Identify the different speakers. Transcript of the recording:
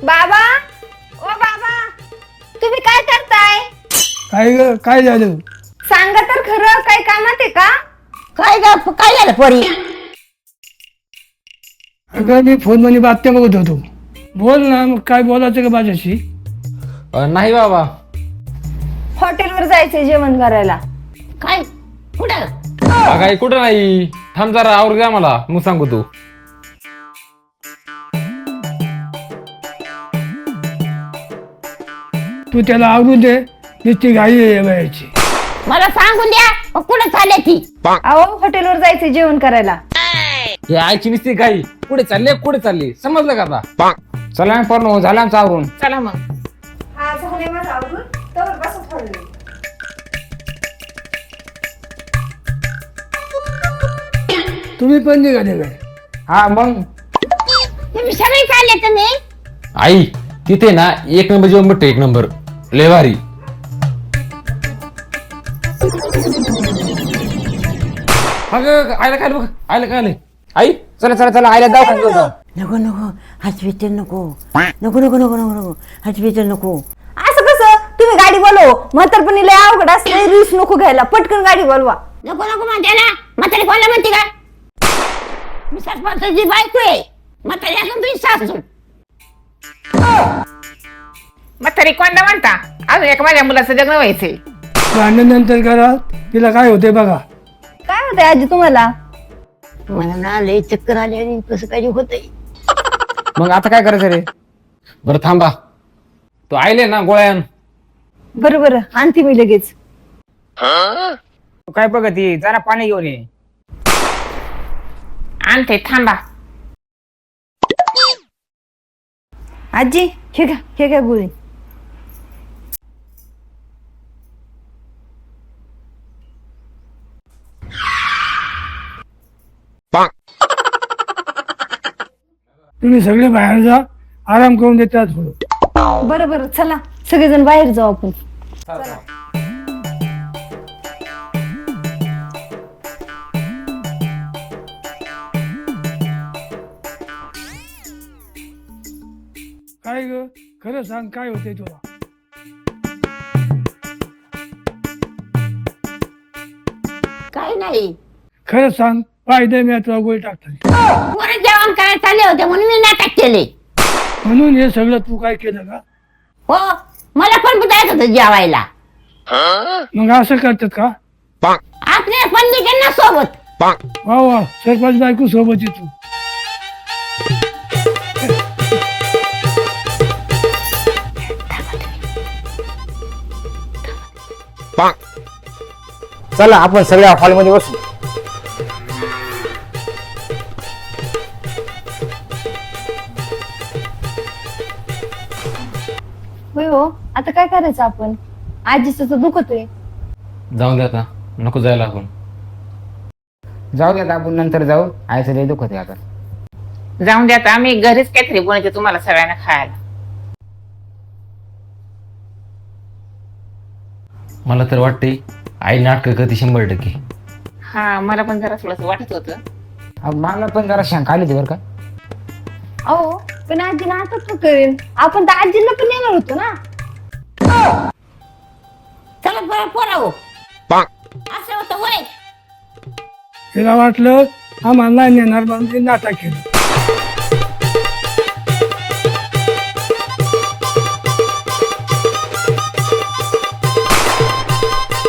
Speaker 1: बाबा, ओ बाबा, तुम्ही काय करताय?
Speaker 2: काय झालं?
Speaker 1: सांगा तर खरं, काय कामात आहे का?
Speaker 3: काय झालं पोरी?
Speaker 2: अगं मी फोन मध्ये बातम्या बघत होतो. बोल ना, मग काय बोलायचं का माझ्याशी?
Speaker 4: नाही बाबा.
Speaker 1: हॉटेलवर जायचंय जेवण करायला.
Speaker 3: काय कुठं?
Speaker 4: काही कुठं नाही. थांब जरा आवर द्या मला, मग सांगू तू.
Speaker 2: तू त्याला आवडून दे, नुसती घाई आहे वयाची.
Speaker 3: मला सांगून द्या मग कुठं चालले ती?
Speaker 1: अहो, हॉटेलवर जायचंय जेवण करायला.
Speaker 4: हे आईची नुसती काही कुठे चालली समजलं का आता? चला पण झालं आमचं आवरून. चला मग.
Speaker 1: हा, झालंय माझं आवरून. तोवर बसा थोडं वेळ.
Speaker 2: तुम्ही पण निघाले काय?
Speaker 4: हा मग.
Speaker 3: तुम्ही सगळे चालले तुम्ही?
Speaker 4: आई तिथे ना एक नंबर जेवण भेटतो, एक नंबर लय भारी. अगं आईला काय बघ, आईला काय आलंय? आई चला आईला दवाखान्यात घेऊन जाऊ.
Speaker 3: नको नको हॉस्पिटल नको नको नको नको नको नको हॉस्पिटल नको.
Speaker 1: असं कसं? तुम्ही गाडी बोलव. म्हातारपणी लय अवघड असते, रिस्क नको घ्यायला. पटकन गाडी बोलवा.
Speaker 3: नको नको म्हणते ना. म्हातारी कोणाला म्हणते का? मी सरपंचाची बायको आहे. म्हातारी असून तुझी सासू.
Speaker 5: म्हातारी कोणला म्हणता? अजून एक माझ्या मुलाचं लग्न व्हायचंय.
Speaker 2: भांडणानंतर करा, तिला काय होते बघा.
Speaker 1: काय होतंय आजी तुम्हाला?
Speaker 3: मला ना लय चक्कर आली आणि कसं काही होतंय.
Speaker 4: मग आता काय करायचं रे? बरं थांबा, तू आईले ना गोळ्यान.
Speaker 1: बरं बरं, आणते मी लगेच.
Speaker 5: तू काय बघती? जरा पाणी घेऊन ये. आणते, थांबा.
Speaker 1: आजी, हे घ्या गोळी.
Speaker 2: तुम्ही सगळे बाहेर जा, आराम करून देतात थोडं.
Speaker 1: बरं बरं, चला सगळेजण बाहेर जाऊ आपण.
Speaker 2: काय ग, खरं सांग, काय होते तुला?
Speaker 3: काही नाही.
Speaker 2: खरं सांग, पायदे मी तुला गोळी टाकतात
Speaker 3: पोरं जेवण करायला चालले होते म्हणून मी नाटक केले.
Speaker 2: म्हणून हे सगळं तू काय केलं का?
Speaker 3: हो, मला पण जायचं होतं जेवायला.
Speaker 2: मग असं करतात का?
Speaker 3: आपल्या पण निघेल ना सोबत.
Speaker 2: वा वा, सरपंच बायको सोबत आहे तू.
Speaker 4: चला आपण सगळ्या हॉलमध्ये बसू.
Speaker 1: होय हो, आता काय करायचं आपण? आजीचं तर दुखतोय.
Speaker 4: जाऊन द्या आता, नको जायला आपण.
Speaker 5: जाऊ द्या, आपण नंतर जाऊ. आईचं लय दुखत आहे आता. जाऊन द्या, आम्ही घरीच काहीतरी बनवते तुम्हाला सगळ्यांना खायला.
Speaker 4: मला तर वाटते आई नाटक करते 100%.
Speaker 5: हा, मला पण जरा थोडस वाटत होतं.
Speaker 4: मला पण जरा शंका आली होती बरं का.
Speaker 1: अहो, पण आजीला आता तो करेल. आपण तर आजीला पण येणार होतो ना.
Speaker 3: चला बरं पोरावं. असं होतं वय.
Speaker 2: तिला वाटलं आम्हाला नाही नेणार म्हणून ते नाटक केलं.